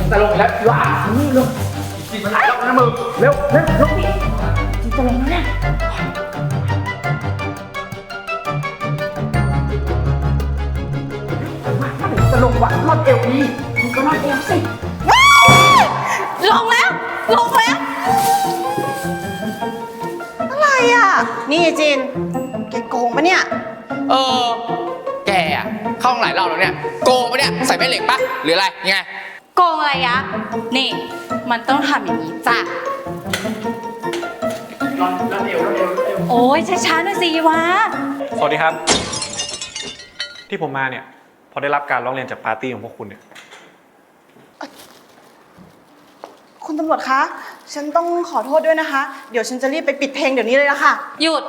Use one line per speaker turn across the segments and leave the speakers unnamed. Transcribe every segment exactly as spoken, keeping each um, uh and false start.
จะลงแล้วว้าเร็วจิตมันแล้วนะมึงเร็วเร็วลงดิจิตจะลงแล้วเนี่ยจะลงวะรอดเอวดีมึงก็รอดเอวสิ
ลงแล้วลงแล้วอะไรอ่ะนี่จินแกโกงปะเนี่ย
เออแกอะเข้าห้องหลายรอบแล้วเนี่ยโกงปะเนี่ยใส่แม่เหล็กปะหรืออะไรยังไง
โกงอะไรยะนี่มันต้องทำอย่างนี้จ้ะ
รอดรอดเอวรอดเอวเอว
โอ้ยช้าๆหน่อยสิวะ
สวัสดีครับที่ผมมาเนี่ยพอได้รับการร้องเรียนจากปาร์ตี้ของพวกคุณเนี่ย
คุณตำรวจคะฉันต้องขอโทษด้วยนะคะเดี๋ยวฉันจะรีบไปปิดเพลงเดี๋ยวนี้เลยละค่ะ
หยุด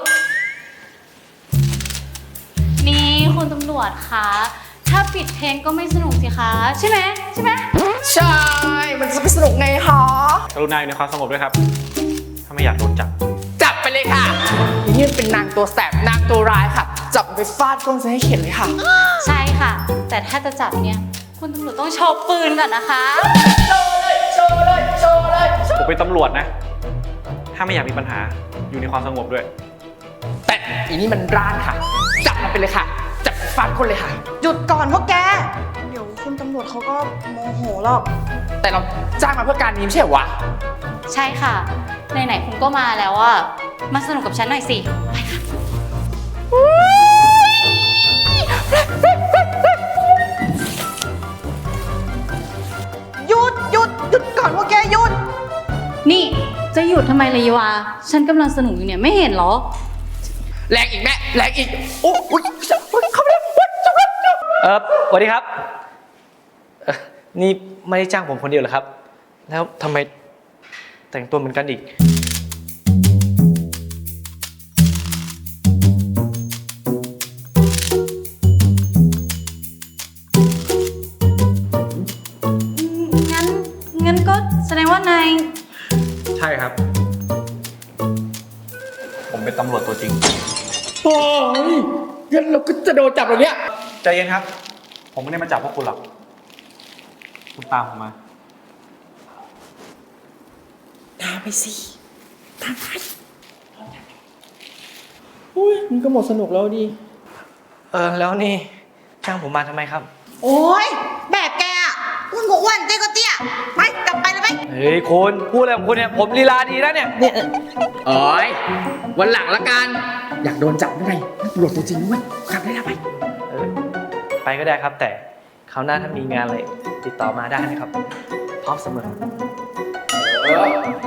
นี่คุณตำรวจคะถ้าปิดเพลงก็ไม่สนุกสิคะใช่ไหมใช่ไหม
ใช่มันจะไปสนุกไงคะ
กรุณาอยู่ในความสงบด้วยครับถ้าไม่อยากโดนจับ
จับไปเลยค่ะนี่เป็นนางตัวแสบนางตัวร้ายค่ะจับไปฟาดก้นซะให้เข็ดเลยค่ะ
ใช่ค่ะแต่ถ้าจะจับเนี่ยคุณตำรวจต้องโชว์ปืนก่อนนะคะ
โชว์เลยโชว์เลยโชว์เลย
ผมเป็นตำรวจนะถ้าไม่อยากมีปัญหาอยู่ในความสงบด้วย
แต่อีนี่มันร้านค่ะจับมันไปเลยค่ะจับฟาดคนเลยค่ะ
หยุดก่อนพวกแกเดี๋ยวคุณตำรวจเขาก็โมโหหรอก
แต่เราจ้างมาเพื่อการนี้ไม่ใช่วะ
ใช่ค่ะไหนๆคุณก็มาแล้วอ่ะมาสนุกกับฉันหน่อยสิไปค่ะ
หยุดหยุดหยุดก่อนพวกแกหยุด
นี่จะหยุดทำไมเลยยวะฉันกำลังสนุกอยู่เนี่ยไม่เห็นหรอ
แรงอีกแม่แรงอีกโอ้ยเข้าไปแล้ว
เออสวัสดีครับนี่ไม่ได้จ้างผมคนเดียวเหรอครับแล้วทำไมแต่งตัวเหมือนกันอีก
งั้นงั้นก็แสดงว่านาย
ใช่ครับผมเป็นตำรวจตัวจริง
โอ้ยงั้นเราก็จะโดนจับแล้วเนี่ย
ใจเย็นครับผมไม่ได้มาจับพวกคุณหรอกคุณตามผมมา
ตามไปสิตามไปอุ้ยมันก็หมดสนุกแล้วดิ
เออแล้วนี่จ้างผมมาทำไมครับ
โอ้ยแบบแกอ่ะอ้วนก็อ้วนเตี้ยก็เตี้ยไปกลับไปเลยไป
เฮ้ยคุณพูดอะไรของคุณเนี่ยผมลีลาดีแล้วเนี่ยเนี่ย
โอ้ยวันหลังละกันอยากโดนจับได้ไงตำรวจตัวจริงด้วยกลับได้แล้วไป
เออไปก็ได้ครับแต่คราวหน้าถ้ามีงานอะไรติดต่อมาได้นะครับพร้อมเสมอ
เออ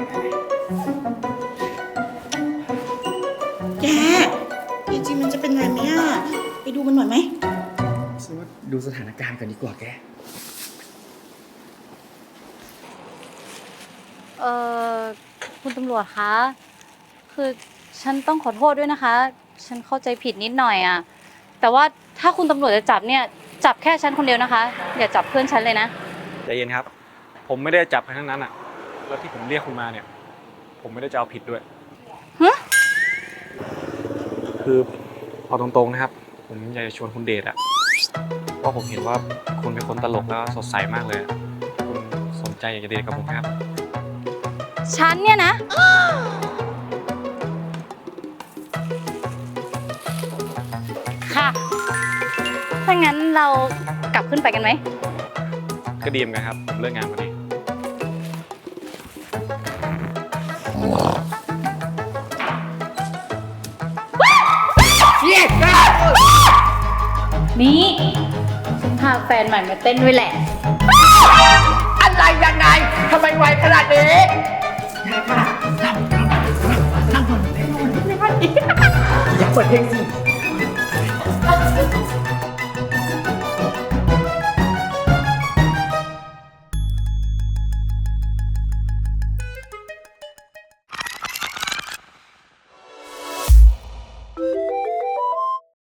แกจริงๆมันจะเป็นไงไหมอ่ะไปดูมันหน่อยไหม
ฉันว่าดูสถานการณ์ก่อนดีกว่าแก
เออคุณตำรวจคะคือฉันต้องขอโทษด้วยนะคะฉันเข้าใจผิดนิดหน่อยอ่ะแต่ว่าถ้าคุณตำรวจจะจับเนี่ยจับแค่ฉันคนเดียวนะคะอย่าจับเพื่อนฉันเลยนะ
ใจเย็นครับผมไม่ได้จับใครทั้งนั้นอ่ะแล้วที่ผมเรียกคุณมาเนี่ยผมไม่ได้จะเอาผิดด้วย
ฮะ
คือพอตรงๆนะครับผมอยากจะชวนคุณเดทอะเพราะผมเห็นว่าคุณเป็นคนตลกแล้วสดใสมากเลยคุณสนใจอยากจะเดทกับผมครับ
ฉันเนี่ยนะค่ะถ้างั้นเรากลับขึ้นไปกันไหม
ก็ดีเหมือนกันครับผมเลิกงานพอดี
นี่ฉันพาแฟนใหม่มาเต้นด้วยแหละ
อะไรยังไงทำไมไวขนาดนี้อย่าค่ะนั่งนั่งนั่งนั่งนั่งนั่งอย่าเปิดเพลงสิ